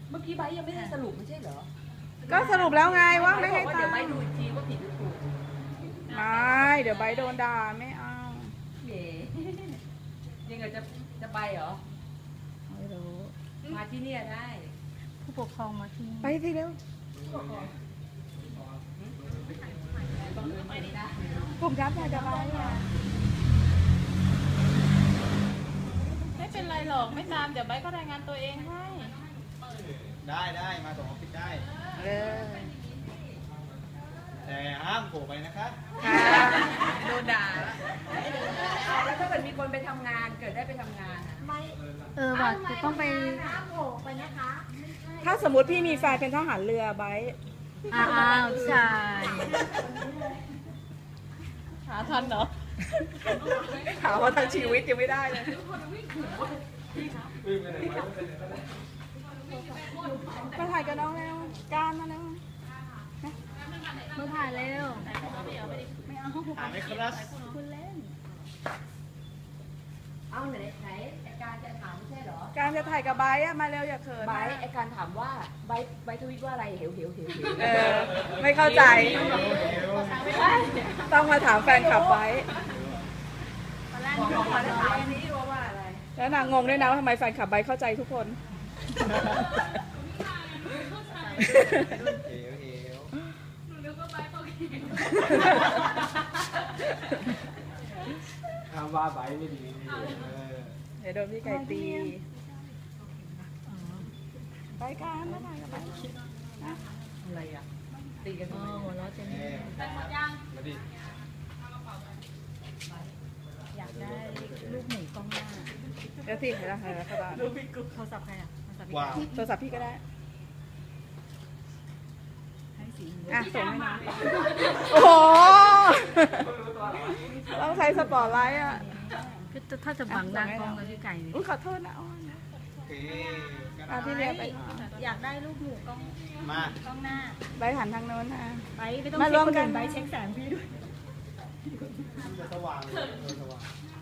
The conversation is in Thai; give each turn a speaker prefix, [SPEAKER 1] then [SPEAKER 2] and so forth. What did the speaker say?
[SPEAKER 1] เมื่อกี้ไบยังไม่ได้สรุปไม่ใช่เหรอ
[SPEAKER 2] ก็สรุปแล้วไงว่าไม่ให้
[SPEAKER 1] เดี๋ยวไบ
[SPEAKER 2] ตังค์
[SPEAKER 1] ดูอีกทีว่าผิดหรือถูก
[SPEAKER 2] ไม่เดี๋ยวใบโดนด่าไม่เอา
[SPEAKER 1] เย่ยังไงจะไปเหรอ
[SPEAKER 2] ไม่รู้
[SPEAKER 1] มาที่นี่ได้
[SPEAKER 3] ผู้ปกครองมาที่นี่
[SPEAKER 2] ไปสิเร็วผมรับอยากจะไป
[SPEAKER 3] ไม่เป็นไรหรอกไม่ตามเดี๋ยวใบก็รายงานตัวเองให้
[SPEAKER 4] ได้มาส่งออฟฟิศได้แต่ห้ามโผล่ไปนะคะ
[SPEAKER 1] โดนด่าแล้วถ้าเกิดมีคนไปทำงานเกิดได้ไปทำงาน
[SPEAKER 3] ไม่ว่าจะต้องไปโผล่ไปนะคะ
[SPEAKER 2] ถ้าสมมติพี่มีแฟนเป็นทหารเรือไบ
[SPEAKER 3] อ้าวใช่หาทันเหรอ
[SPEAKER 2] ถามว่าทั้งชีวิตยังไม่ได้เลยมาถ่ายกับน้องแล้วการมาแล้ว
[SPEAKER 3] มาถ่ายเร็วไม่เอา
[SPEAKER 4] ถ่ายไหมครับ
[SPEAKER 3] คุณเล่น
[SPEAKER 1] เอาไหนไอการจะถามไม่ใช่เหรอ
[SPEAKER 2] การจะถ่ายกับไบอะมาเร็วอย่าเขิน
[SPEAKER 1] ไบไอการถามว่าไบทวิตว่าอะไรเหว
[SPEAKER 2] ไม่เข้าใจต้องมาถามแฟนคลับไบ
[SPEAKER 1] บอกมาถามนี้ว่าอะไร
[SPEAKER 2] แล้วนางงงด้วยนะว่าทำไมแฟนคลับไบเข้าใจทุกคน
[SPEAKER 4] ทำว่าไบไม่ดี
[SPEAKER 2] เดี๋ยวโดนพี่ไก่ตีไปกันมาถ่ายกับไบ
[SPEAKER 1] อะไรอ่ะตีกัน
[SPEAKER 3] หัวเราะเต็ม
[SPEAKER 4] มาดิ
[SPEAKER 3] อยากได้ลูกหมูกล้องหน้า
[SPEAKER 2] เดี๋ยวสิเห็นแล้วครับ
[SPEAKER 3] ลูกพี่กุ๊กโทรศัพท์ใครอ่ะ
[SPEAKER 2] โทรศัพท์พี่ก็ได้
[SPEAKER 3] ให้สี
[SPEAKER 2] ส่งให้น้องโอ้โหต้องใช้สปอร์ตไลท์อ่ะ
[SPEAKER 3] คือถ้าจะบังหน้ากล้องกับพี่ไก่
[SPEAKER 2] อุ้ยขอโทษนะพี่เรียไป
[SPEAKER 3] อยากได้ลูกหมูกล้องกล้องหน้า
[SPEAKER 2] ใบหันทางโน้นนะ
[SPEAKER 3] ไปไม่ต้องเช็คคนอื่นใบเช็คแสงพี่ด้วย
[SPEAKER 4] จะสว่าง